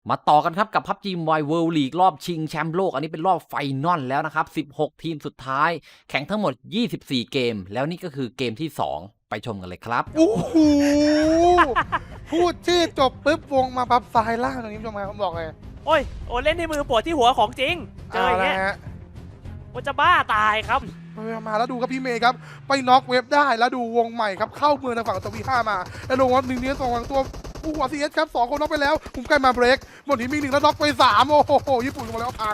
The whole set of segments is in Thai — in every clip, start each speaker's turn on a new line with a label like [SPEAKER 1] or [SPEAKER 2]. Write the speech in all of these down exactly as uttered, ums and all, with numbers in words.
[SPEAKER 1] มาต่อกันครับกับ พับจี Mobile World League รอบชิงแชมป์โลกอันนี้เป็นรอบไฟนอลแล้วนะครับสิบหกทีมสุดท้ายแข่งทั้งหมดยี่สิบสี่เกมแล้วนี่ก็คือเกมที่สองไปชมกันเลยครับ
[SPEAKER 2] โอ้โหพูดชื่อจบปุ๊บวงมาปั๊บซ้ายล่างตรงนี้ผู้ชมครับผมบอกเลย
[SPEAKER 3] โอ้ยโอ้เล่นที่มือปวดที่หัวของจริงเจออย่างเงี้ย
[SPEAKER 2] ฮะ
[SPEAKER 3] มันจะบ้าตายครับ
[SPEAKER 2] มาแล้วดูครับพี่เมย์ครับไปน็อกเว็บได้แล้วดูวงใหม่ครับเข้าเมืองทางฝั่งตัววีห้ามาแล้วลงวัดหนึ่งเนี้ยสองฝั่งตัวผู้หัวซีเอสครับสองคนน็อกไปแล้วผมใกล้มาเบรกหมดนี้มีหนึ่งแล้วน็อกไปสามโอ้โหญี่ปุ่นลงมาแล้วพัง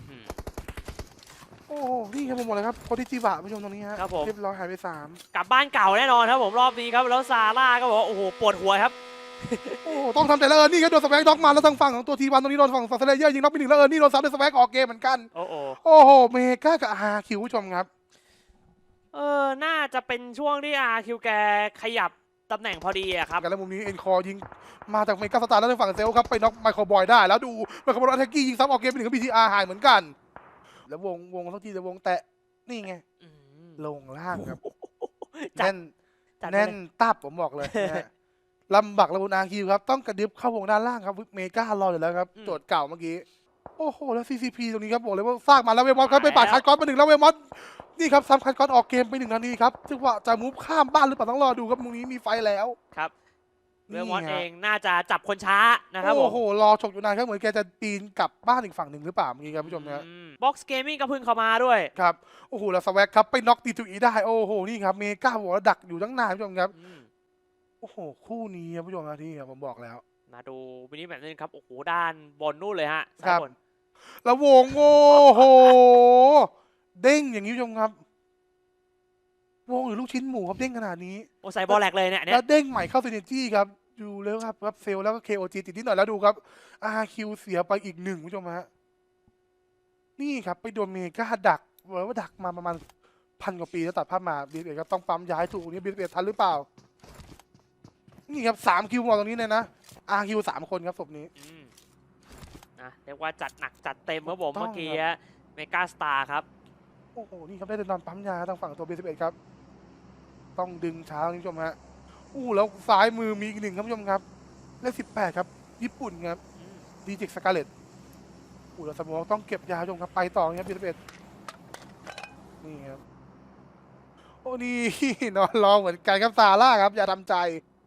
[SPEAKER 2] โอ้โหนี่ครับผมบอกเลยครับโคติจิบะผู้ชมตรงนี้ฮะเรียบร้อยหายไปสาม
[SPEAKER 3] กลับบ้านเก่าแน่นอนครับผมรอบนี้ครับแล้วซาร่าก็บอกว่าโอ้โหปวดหัวครับ
[SPEAKER 2] โอ้ต้องทำใจแล้วเออนี่ก็โดนสแวกน็อกมาแล้วทางฝั่งของตัวทีวันตรงนี้โดนฝั่งฝั่งเซเลเยอร์ยิงน็อกไปหนึ่งแล้วเออนี่โดนซับด้วยสแวกออกเกมเหมือนกัน
[SPEAKER 3] โอ้โห
[SPEAKER 2] โอ้โหเมกากับอาร์คิวผู้ชมครับ
[SPEAKER 3] เออน่าจะเป็นช่วงที่อาร์คิวแกขยับตำแหน่งพอดีอะครับ
[SPEAKER 2] กันแล้วมุมนี้เอ็นคอยิงมาจากเมกาสตาร์แล้วทางฝั่งเซลครับไปน็อกไมเคิลบอยได้แล้วดูไมเคิลบอยอัตแทกกี้ยิงซับออกเกมไปหนึ่งก็บีทีอาร์หายเหมือนกันแล้ววงวงสักทีแต่วงแตะนี่ไงลงล่างครับแน่นแน่นตับผมบอกเลยลำบักระบุนอาร์คิวครับต้องกระดึบเข้าวงด้านล่างครับเมการออยู่แล้วครับโจทย์เก่าเมื่อกี้โอ้โหแล้ว ซี ซี พี ตรงนี้ครับบอกเลยว่าสร้างมาแล้วเวมอสครับไปปาดคัดก้อนมาหนึ่งแล้วเวมอสนี่ครับซ้ำคัดก้อนออกเกมไปหนึ่งนาทีครับจังหวะจะมูฟข้ามบ้านหรือเปล่าต้องรอดูครับมุมนี้มีไฟแล้ว
[SPEAKER 3] ครับเวมอนเองน่าจะจับคนช้านะครับผม
[SPEAKER 2] โอ้โหรอฉกอยู่นานครับเหมือนแกจะปีนกลับบ้านอีกฝั่งหนึ่งหรือเปล่าเมื่อกี้ครับผู้ชมนะ
[SPEAKER 3] บ็อกซ์เกมมิ่งก็เพิ่งเข้ามาด้วย
[SPEAKER 2] ครับโอ้โหแล้วสแวกครับไปน็อกตีทูอีได้โอ้โหนี่ครับเมกาบอกว่าดักอยู่ตั้งนานผู้ชมครับโอ้โหคู่นี้ครับผู้ชมนะที่ผมบอกแล้ว
[SPEAKER 3] มาดูมินิแมตช์นึงครับโอ้โหด้านบนนู่นเลยฮะ
[SPEAKER 2] ครับแล้ววงโอ้โหเด้งอย่างนี้ผู้ชมครับวงหรือลูกชิ้นหมูครับเด้งขนาดนี้
[SPEAKER 3] โอ้ใส่บอลแหลกเลยเนี่ย
[SPEAKER 2] แล้วเด้งใหม่เข้าซีเนจี้ครับดูแล้วครับครับเซลแล้วก็ เค โอ จี ติดนิดหน่อยแล้วดูครับ อาร์ คิว เสียไปอีกหนึ่งผู้ชมฮะนี่ครับไปโดนเมกาดักบอกว่าดักมาประมาณพันกว่าปีแล้วตัดภาพมาบีเอสก็ต้องปั๊มย้ายถูกนี้บีเอสทันหรือเปล่านี่ครับสามคิวมองตรงนี้เลยนะ อาร์ คิว สามคนครับศพนี้
[SPEAKER 3] นะเรียกว่าจัดหนักจัดเต็มครับผมเมื่อกี้เมกาสตาร์ครับ
[SPEAKER 2] โอ้โหนี่ครับได้เดินนอนปั๊มยาทางฝั่งตัวบีเอสครับต้องดึงช้าคุณผู้ชมฮะอู้แล้วซ้ายมือมีอีกหนึ่งครับผู้ชมครับเลขสิบแปดครับญี่ปุ่นครับดีเจกสกาเลตอู้แล้วสมองต้องเก็บยาชมครับไปต่อครับบีเอสนี่ครับโอ้นี่นอนรอเหมือนกันครับซาร่าครับอย่าทำใจ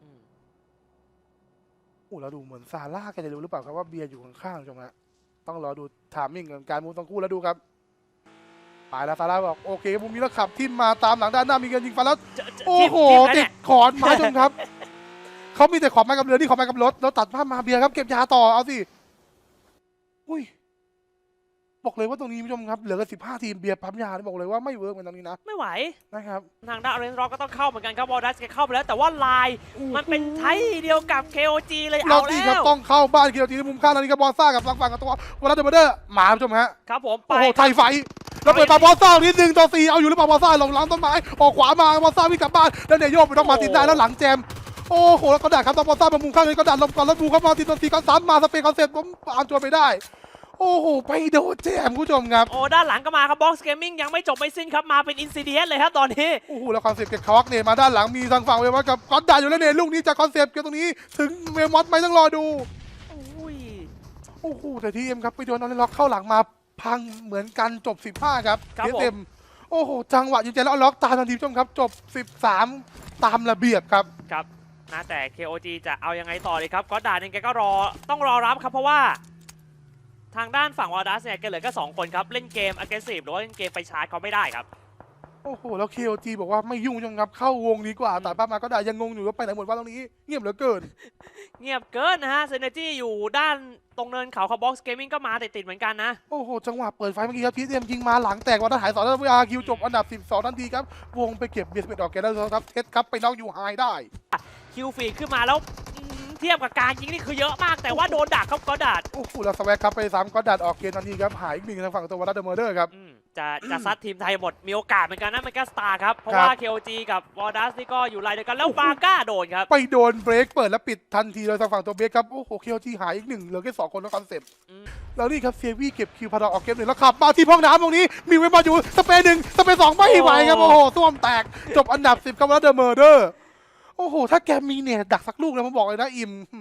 [SPEAKER 2] อู้เราดูเหมือนซาร่าแกจะรู้หรือเปล่าครับว่าเบียร์อยู่ข้างๆชมฮะต้องรอดูถามมิ่งกับการมูฟทั้งคู่แล้วดูครับไปแล้วซาร่าบอกโอเคมุมนี้แล้วขับทิมมาตามหลังด้านหน้ามีเงินยิงฟันแล้วโอ้โหติดขอนไม้ชมครับเขามีแต่ขอนไม้กับเรือที่ขอนไม้กับรถแล้วตัดภาพมาเบียร์ครับเก็บยาต่อเอาสิอุ้ยบอกเลยว่าตรงนี้ผู้ชมครับเหลือกันสิบห้าทีมเบียร์ปั๊มยาบอกเลยว่าไม่เวิร์กเหมือนตรงนี้นะ
[SPEAKER 3] ไม่ไหว
[SPEAKER 2] นะครับ
[SPEAKER 3] ทางด้านอเรนจ์ร็อกก็ต้องเข้าเหมือนกันครับวอลดัสแกเข้าไปแล้วแต่ว่าลายมันเป็นไทยเดียวกับ เค โอ จี เลยเอาแล้ว
[SPEAKER 2] ต้องเข้าบ้าน เค โอ จี ในมุมข้างนี้กับบอลซ่ากับฝั่งฝั่งกับตัววอลเลย์เดอร์หมาผู้ชมฮะ
[SPEAKER 3] ครับผม
[SPEAKER 2] โอ้โหไทยไฟเราเปิดปาบอลซ่านิดนึงต่อสี่เอาอยู่หรือเปล่าบอลซ่าหลงหลังต้นไม้ออกขวามาบอลซ่าวิ่งกลับบ้านแล้วเนี่ยโยกไปต้องมาติดได้แล้วหลังแจมโอ้โหแล้วก็ดักครับตอนบอลซ่ามามุมข้างนี้ก็ดันลงก่อนแล้วดูครับมาติดตัวสี่ก็สามมาสเปนคอนเซ็ปต์ผมอ่านจวนไปได้โอ้โหไปโดนแจมผู้ชมครับ
[SPEAKER 3] โอ้ด้านหลังก็มาครับบ็อกซ์เกมมิ่งยังไม่จบไม่สิ้นครับมาเป็นอินซิเดียนเลยครับตอนนี้
[SPEAKER 2] โอ้โหแล้วคอนเซ็ปต์เก็บควักเนี่ยมาด้านหลังมีทางฝั่งเวมอสกับก๊อตดาอยู่แล้วเนี่ยลูกนี้จากคอนเซ็ปต์เกี่ยวตรงนี้ถึงเวมอสไม่ต้องรอดูโอ้โหแต่ทีเอ็มครับไปโดนนอร์ล็อกเข้าหลังมาพังเหมือนกันจบสิบห้าครับเต็มโอ้โหจังหวะยิงใจแล้วล็อกตามทันทีผู้ชมครับจบสิบสามตามระเบียบครับ
[SPEAKER 3] ครับนะแต่ เค โอ จี จะเอายังไงต่อเลยครับก็ด่าเองแกก็รอต้องรอรับครับเพราะว่าทางด้านฝั่งวอลดัสเนี่ยแกเหลือแค่สองคนครับเล่นเกม aggressive หรือว่าเล่นเกมไปชาร์จเขาไม่ได้ครับ
[SPEAKER 2] โอ้โหแล้ว เค โอ จี บอกว่าไม่ยุ่งจังครับเข้าวงดีกว่าแต่ป้ามาก็ได้ยังงงอยู่ว่าไปไหนหมดว่าตรงนี้เงียบเหลือเกิน
[SPEAKER 3] เงียบเกินนะฮะเซนเนอร์จี้อยู่ด้านตรงเนินเขาคาร์บ็อกซ์เกมมิ่งก็มาติดๆเหมือนกันนะ
[SPEAKER 2] โอ้โหจังหวะเปิดไฟเมื่อกี้ครับทีเอ็มยิงมาหลังแตกวันทหารสองแล้วอาร์คิวจบอันดับสิบสองทันทีครับวงไปเก็บเบียร์สเปดออกแกแล้วครับเทสครับไปน็อกยูไฮได้
[SPEAKER 3] คิวฟีขึ้นมาแล้วเทียบกับการยิงนี่คือเยอะมากแต่ว่าโดนดักครับก็ดัด
[SPEAKER 2] โอ้โหแล้วสแวกครับไปซ้ำก็ดัดออกเกมทันทีครับหายอีกหนึ่งทางฝั่งตัววอลเลย์เมอร์เดอร์ครับ
[SPEAKER 3] จะจะซัดทีมไทยหมดมีโอกาสเหมือนกันนะเมกาสตาร์ครับเพราะว่า เค โอ จี กับวอลดัสนี่ก็อยู่ไลน์เดียวกันแล้วบาก้าโดนครับ
[SPEAKER 2] ไปโดนเบรกเปิดแล้วปิดทันทีโดยทางฝั่งตัวเบรกครับโอ้โห เค โอ จี หายอีกหนึ่งเหลือแค่สองคนแล้วคอนเซ็ปต์แล้วนี่ครับเซวี่เก็บคิวพาราออกเกมหนึ่งแล้วขับมาที่ห้องน้ำตรงนี้มีเวมาอยู่สเปนหนึ่งสเปนสองไม่ไหวครับโอ้โหส้วมแตกจบอันดับสิบกับวอลเลย์เมอร์เดอร์โอ้โหถ้าแกมีเนี่ยดักสักลูกแล้วผมบอกเลยนะอิ่มอ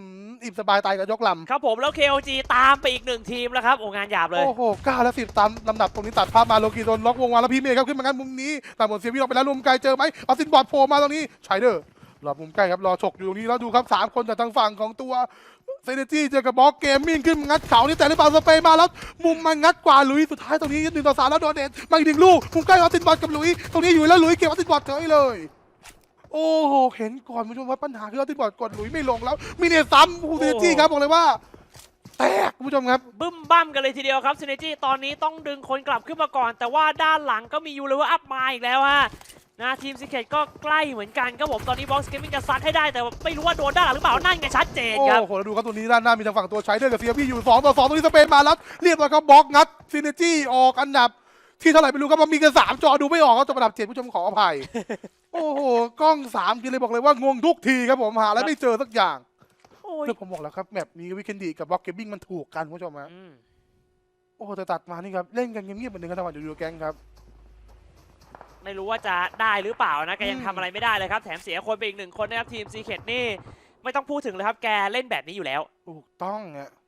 [SPEAKER 2] อิ่มสบายตายกับยกลำ
[SPEAKER 3] ครับผมแล้ว เค โอ จี ตามไปอีกหนึ่งทีมแล้วครับโอ้งานหยาบเลย
[SPEAKER 2] โอ้โหเก้าและสิบตามลำดับตรงนี้ตัดภาพมาโลกีโดนล็อกวงวางแล้วพี่เมย์ครับขึ้นมางั้นมุมนี้แต่หมดเสียวิ่งออกไปแล้วมุมไกลเจอไหมเอาซินบอร์ดโผล่มาตรงนี้ไชเดอร์รอมุมใกล้ครับรอฉกอยู่ตรงนี้แล้วดูครับสามคนจากทางฝั่งของตัวเซเนจี้เจอกับบล็อกเกมมิ่งขึ้นงัดเขานี่แต่ในเปล่าสเปย์มาแล้วมุมมันงัดกว่าหลุยสุดท้ายตรงนี้หนึ่งต่อสามแล้วโดนเด็ดมาอีกหนึ่งลูกมุมใกล้เอาซินบอร์ดกับหลุยตรงนี้อยู่แล้วหลุยเก็บเอาซินบอร์ดเฉยเลยโอ้โหเห็นก่อนคุณผู้ชมว่าปัญหาคือเอาซินบอร์ดกดหลุยไม่ลงแล้วมีเนตซ้ำคูเซเนจี้ครับบอกเลยว่าแตกคุณผู้ชมครับ
[SPEAKER 3] บึ้มบั้มกันเลยทีเดียวครับซินเนจี้ตอนนี้ต้องดึงคนกลับขึ้นมาก่อน แต่ว่าด้านหลังก็มียูเลเวอร์อัพมาอีกแล้วฮะนะทีมซิกเก็ตก็ใกล้เหมือนกันครับผมตอนนี้บ็อกซ์เกมมิ่งจะซัดให้ได้แต่ไม่รู้ว่าโดนด้านหลังหรือเปล่านั่นไงชัดเจนครับ
[SPEAKER 2] โอ้โหแล้วดูครับตัวนี้ด้านหน้ามีทางฝั่งตัวใช้เดอร์กับเซียบี้อยู่สองต่อสองตรงนี้สเปนมาแล้วเรียบร้อยครับบล็อกงัดซินเนจี้ออกอันดับที่เท่าไหร่ไม่รู้ครับมันมีกันสามจอดูไม่ออกครับจบอันดับเจ็ดผู้ชมขออภัย โอ้โหกล้องสามกินเลยบอกเลยว่างงทุกทีครับผมหาแล้วไม่เจอสักอย่าง
[SPEAKER 3] โอ้ย
[SPEAKER 2] เพื่อผมบอกแล้วครับแมปนี้วิกเคนดีกับบล็อกเกมมิ่งมันถูกกันคุณผู้ชมฮะ
[SPEAKER 3] อืม
[SPEAKER 2] โอ้โหแต่ตัดมานี่ครับเล่นกันเงียบๆเหมือนเดิมกันทั้งวันอยู่ๆแก๊งครับ
[SPEAKER 3] ไม่รู้ว่าจะได้หรือเปล่านะแกยัง
[SPEAKER 2] อืม
[SPEAKER 3] ทำอะไรไม่ได้เลยครับแถมเสียคนไปอีกหนึ่งคนนะครับทีมซีเคทนี่ไม่ต้องพูดถึงเลยครับแกเล่นแบบนี้อยู่แล้ว
[SPEAKER 2] ถูกต้องฮะ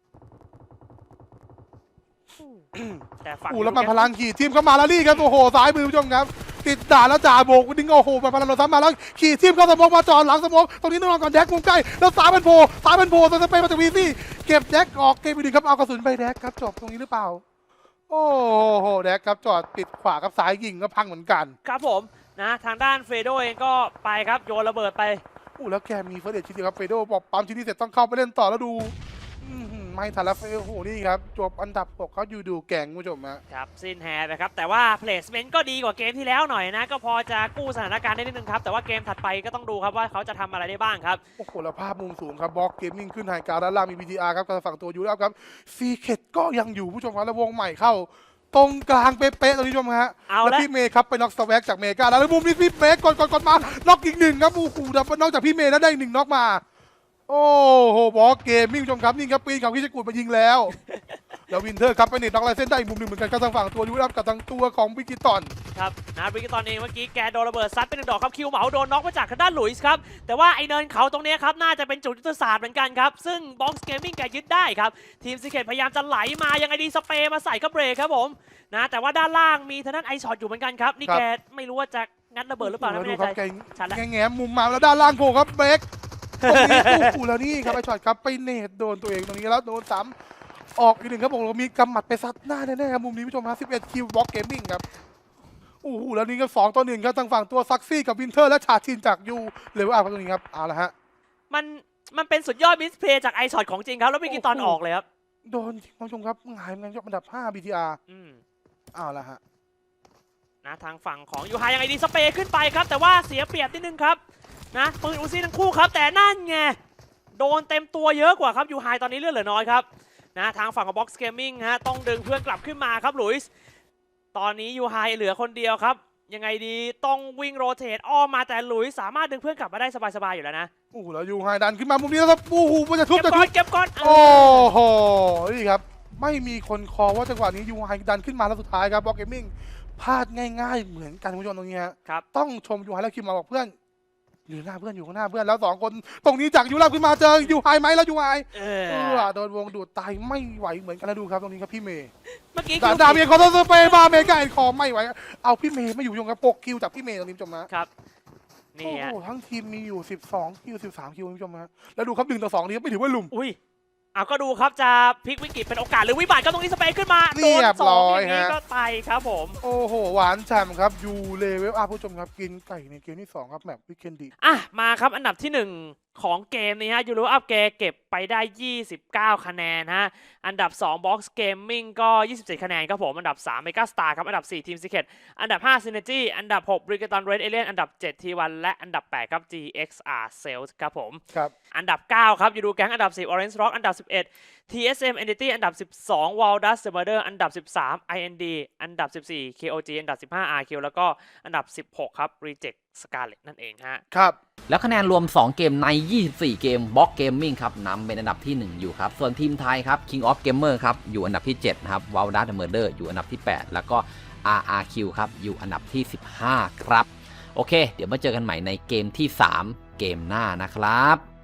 [SPEAKER 3] แต่ฝั่ง
[SPEAKER 2] โอ้แล้วมันพลังขี่ทีมเข้ามาแล้วนี่ครับโอ้โหซ้ายมือผู้ชมครับติดด่านแล้วจ่าโบกดิ้งโอ้โหมันพลังเราซ้ำมาแล้วขี่ทีมเข้าสมองมาจอดหลังสมองตรงนี้ต้องรอก่อนแดกมุมใกล้แล้วซ้ายมันโผล่ซ้ายมันโผล่สเปนมาจากวีซี่เก็บแดกออกเกมไปดึงครับเอากระสุนไปแดกครับจบตรงนี้หรือเปล่าโอ้โหแดกครับจอดปิดขวาครับซ้ายยิงก็พังเหมือนกัน
[SPEAKER 3] ครับผมนะทางด้านเฟโดเองก็ไปครับโยนระเบิดไป
[SPEAKER 2] อู้แล้วแกมีเฟิร์สเดชชิ้นเดียวครับเฟโดบอกปั๊มชิ้นนี้เสร็จต้องเข้าไปเล่นต่อแล้วดูอื้อหือไม่ทันแล้วเฟโดโอ้โหนี่ครับจบอันดับหกเขาอยู่ดูแก่งคุณผู้ชมฮะ
[SPEAKER 3] ครับสิ้นแฮร์ไปครับแต่ว่า placement ก็ดีกว่าเกมที่แล้วหน่อยนะ ก็พอจะกู้สถานการณ์ได้นิดนึงครับ แต่ว่าเกมถัดไปก็ต้องดูครับว่าเขาจะทำอะไรได้บ้างครับ
[SPEAKER 2] โอ้โหแล้วภาพมุมสูงครับบล็อกเกมมิ่งขึ้นไฮกราวด้านล่างมี บี ที อาร์ ครับกำลังฝั่งตัวยูแล้วครับซีเคทก็ยังอยู่ผู้ชมครับแล้ววงใหม่เข้า ตรงกลางเป๊ะๆตรงนี้ผู้ชมฮะ
[SPEAKER 3] เอา
[SPEAKER 2] แล้ว
[SPEAKER 3] ละ
[SPEAKER 2] พี่เมย์ครับไปน็อกสแวกจากเมกาแล้วแล้วมุมนี้พี่เมย์กดกดกดมาน็อกอีกหนึ่งครับโอ้โหดับนอกจากพี่เมย์แล้วได้อีกหนึ่งน็อกมา โอ้โหบอสเกมมิ่งผู้ชมครับนี่ครับปีนเขาพิชกูดมายิงแล้ว แล้ววินเทอร์ครับไปเน็ตน็อกลายเส้นได้อีกมุมหนึ่งเหมือนกันครับทางฝั่งตัวยูรับกับทางตัวของวิกิตอน
[SPEAKER 3] ครับนะบริกตอนเองเมื่อกี้แกโดนระเบิดซัดเป็นหนึ่งดอกครับคิวเหมาโดนน็อกมาจากทางด้านหลุยส์ครับแต่ว่าไอเนินเขาตรงนี้ครับน่าจะเป็นจุดยุทธศาสตร์เหมือนกันครับซึ่งบ็อกซ์เกมมิ่งแกยึดได้ครับทีมซีเคทพยายามจะไหลมายังไงดีสเปรย์มาใส่ก็เบรกครับผมนะแต่ว่าด้านล่างมีทางด้านไอช็อตอยู่เหมือนกันครับนี่แกไม่รู้ว่าจะงัดระเบิดหรือเปล่านะไม่
[SPEAKER 2] ดู
[SPEAKER 3] แน่
[SPEAKER 2] ค
[SPEAKER 3] ใจ
[SPEAKER 2] รับแก
[SPEAKER 3] ชัดแล้ว
[SPEAKER 2] แง่ๆมุมมาแล้วด้านล่างโผล่ครับเบรกตรงนี้โอ้โหแล้วนี่ครับไอช็อตครับไปเนตโดนตัวเองตรงนี้แล้วโดนซ้ำออกอีกหนึ่งครับผมมีกำหมัดไปซัดหน้าแน่ๆครับมุมนี้ผู้ชมฮะสิบเอ็ดคิวบล็อกเกมมิ่งครับโอ้โหแล้วนี่ก็สองต่อหนึ่งครับทางฝั่งตัวซักซี่กับวินเทอร์และชาชินจากยูเลเวลอัพครับตรงนี้ครับเอาละฮะ
[SPEAKER 3] มันมันเป็นสุดยอดมิสเพลย์จากไอช็อตของจริงครับแล้วเมื่อกี้ตอนออกเลยครับ
[SPEAKER 2] โดนจริงคุณผู้ชมครับหงายมันยกอันดับห้า บี ที อาร์
[SPEAKER 3] อืม
[SPEAKER 2] เอาละฮะ
[SPEAKER 3] นะทางฝั่งของยูไฮยังไงดีสเปรย์ขึ้นไปครับแต่ว่าเสียเปรียบนิดนึงครับนะปืนอูซี่ทั้งคู่ครับแต่นั่นไงโดนเต็มตัวเยอะกว่าครับยูไฮตอนนี้เลือดเหลือน้อยครับนะทางฝั่งของ Box Gaming ฮะต้องดึงเพื่อนกลับขึ้นมาครับหลุยส์ตอนนี้ยูไฮเหลือคนเดียวครับยังไงดีต้องวิ่งโรเตทอ้อมมาแต่หลุยส์สามารถดึงเพื่อนกลับมาได้สบายๆอยู่แล้วนะ
[SPEAKER 2] โอ้โหแล้วยูไฮดันขึ้นมามุมนี้แล้วครับโอ้โหมันจะทุบ
[SPEAKER 3] เก็บ
[SPEAKER 2] จะ
[SPEAKER 3] ก่
[SPEAKER 2] ทุ
[SPEAKER 3] อบ นเก็บก่อน
[SPEAKER 2] โอ้โหนี่ครับไม่มีคนคอว่าจังหวะนี้ยูไฮดันขึ้นมาแล้วสุดท้ายครับบล็อกเกมมิ่งพลาดง่ายๆเหมือนกันคุณผู้ชมตรงนี้ฮะ
[SPEAKER 3] ครับ
[SPEAKER 2] ต้องชมยูไฮแล้วคิมมาบอกเพื่อนอยู่หน้าเพื่อนอยู่ข้างหน้าเพื่อนแล้วสองคนตรงนี้จากยูราขึ้นมาเจอยูไฮไหมแล้วยูไฮ
[SPEAKER 3] เอ
[SPEAKER 2] เอ
[SPEAKER 3] อ
[SPEAKER 2] อโดนวงดูดตายไม่ไหวเหมือนกันแล้วดูครับตรงนี้ครับพี่เมย์
[SPEAKER 3] เมื่อกี้
[SPEAKER 2] ดา
[SPEAKER 3] คือ
[SPEAKER 2] ดาเมียคอนเตอร์สเปย์มาเมย์กาแอนคอไม่ไหวเอาพี่เมย์ไม่อยู่ยงกับปกคิวจากพี่เมย์ตรงนี้ผู้ชมนะครับ
[SPEAKER 3] นี่
[SPEAKER 2] โอ้
[SPEAKER 3] ฮะ
[SPEAKER 2] โหทั้งทีมมีอยู่สิบสองคิวสิบสามคิวคุณผู้ชมฮะแล้วดูครับหนึ่งต่อสองนี้ไม่ถือว่าลุม
[SPEAKER 3] อุ้ยเอาก็ดูครับจะพลิกวิกฤตเป็นโอกาสหรือวิบัติก็ตรงนี้สเปรย์ขึ้นมา
[SPEAKER 2] เรี
[SPEAKER 3] โดน
[SPEAKER 2] ยบ
[SPEAKER 3] ส
[SPEAKER 2] ร้
[SPEAKER 3] อง
[SPEAKER 2] อย
[SPEAKER 3] อย่างนี้
[SPEAKER 2] ฮะ
[SPEAKER 3] ก็ไปครับผม
[SPEAKER 2] โอ้โหหวานฉ่ำครับยูเลเวลอัพผู้ชมครับกินไก่ในเกมที่สองครับแมปวิกเคนดี
[SPEAKER 3] อ่ะมาครับอันดับที่หนึ่งของเกมนี้ฮะยูโรอัพเกเก็บไปได้ยี่สิบเก้าคะแนนฮะอันดับสอง Box Gaming ก็ยี่สิบเจ็ดคะแนนครับผมอันดับสาม Mega Star ครับอันดับสี่ Team Secret อันดับห้า Synergy อันดับหก Brigaton Red Alien อันดับเจ็ด ที วัน และอันดับแปดครับ จี เอ็กซ์ อาร์ Sales ครับผม
[SPEAKER 2] ครับ
[SPEAKER 3] อันดับเก้าครับยูดูแก๊งอันดับสิบ Orange Rock อันดับสิบเอ็ด ที เอส เอ็ม Entity อันดับสิบสอง Waldas The Murder อันดับสิบสาม ไอ เอ็น ดี อันดับสิบสี่ เค โอ จี อันดับสิบห้า อาร์ คิว แล้วก็อันดับสิบหกครับ Reject Scarlet นั่นเองฮะ
[SPEAKER 2] ครับ
[SPEAKER 1] แล้วคะแนนรวม สอง เกมใน ยี่สิบสี่ เกม Box Gaming ครับนำเป็นอันดับที่ หนึ่ง อยู่ครับ ส่วนทีมไทยครับ King of Gamer ครับ อยู่อันดับที่ เจ็ด นะครับ Waldas The Murder อยู่อันดับที่ แปด แล้วก็ อาร์ อาร์ คิว ครับ อยู่อันดับที่ สิบห้า ครับ โอเค เดี๋ยวมาเจอกันใหม่ในเกมที่ สาม เกมหน้านะครับ